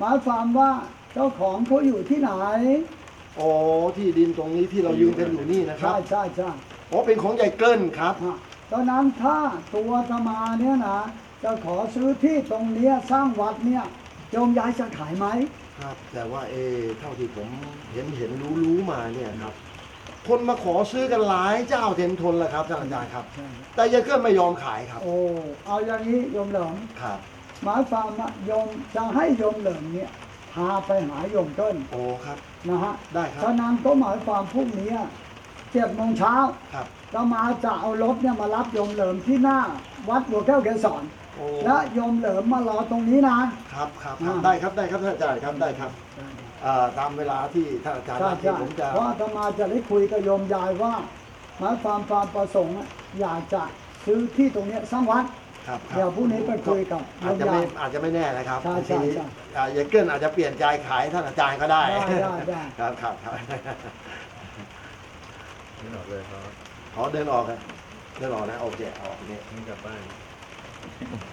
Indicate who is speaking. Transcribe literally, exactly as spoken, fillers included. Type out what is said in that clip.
Speaker 1: หมายความว่าเจ้าของเขาอยู่ที่ไหน
Speaker 2: อ๋อที่ดินตรงนี้ที่เรายืนกันอยู่นี่นะครั
Speaker 1: ใช่
Speaker 2: บ
Speaker 1: ใช่ใช่
Speaker 2: อ๋อเป็นของยายเกิ้ลครับ
Speaker 1: อ่ะตอนนั้นถ้าตัวอาตมาเนี่ยนะจะขอซื้อที่ตรงเนี้ยสร้างวัดเนี่ยโยมยายจะขายไหม
Speaker 2: ครับ แต่ว่าเออเท่าที่ผมเห็นเห็นรู้รู้มาเนี่ยครับคนมาขอซื้อกันหลายเจ้าเต็มทนแล้วครับท่านอาจารย์ครับ
Speaker 1: ใช่
Speaker 2: แต่ยายเกิ้ลไม่ยอมขายครับ
Speaker 1: โอ้เอาอย่างนี้โยมเหลิม
Speaker 2: ครับ
Speaker 1: หมายความว่าโยมจะให้โยมเหลิมเนี่ยพาไปหาโยมเต้น
Speaker 2: โอ้ครับ
Speaker 1: นะฮะ
Speaker 2: ได้ครับ
Speaker 1: ฉะนั้นก็หมายความพรุ่งนี้เจ็ดโมงเช้า
Speaker 2: ครับ
Speaker 1: เรามาจะเอารถเนี่ยมารับโยมเหลิมที่หน้า วัดบัวแก้วเกศร
Speaker 2: โอ้
Speaker 1: และโยมเหลิมมารอตรงนี้นะครับ
Speaker 2: ครับครับ
Speaker 1: อ่า
Speaker 2: ได้ครับได้ครับท่านอาจารย์ครับได้ครับอ่าตามเวลาที่ท่านอาจารย์
Speaker 1: ใช่
Speaker 2: นัดที่
Speaker 1: ใช่
Speaker 2: ผมจะ
Speaker 1: เพราะอาตมาจะได้คุยกับโยมยายว่าหมายความความประสงค์อะอยากจะซื้อที่ตรงเนี้ยสร้างวัด
Speaker 2: ครับครับ
Speaker 1: เดี๋ยวพรุ่งนี้ไปคุยกับโย
Speaker 2: อาจ
Speaker 1: ม
Speaker 2: จะไม่
Speaker 1: ยาย
Speaker 2: อาจจะไม่แน่นะครับ
Speaker 1: ใช่
Speaker 2: บาง
Speaker 1: ใช่
Speaker 2: ที
Speaker 1: ใช่
Speaker 2: อ่ายายเกิ้ลอาจจะเปลี่ยนใจขายท่านอาจารย์ก็ได้
Speaker 1: ได้ได้ได้
Speaker 2: ครับครับครับ
Speaker 3: ไม่ออกเลยครับ
Speaker 2: ขอเดินออกครับเดินออกนะโอเคออกนี่
Speaker 3: ไม่กลับบ้าน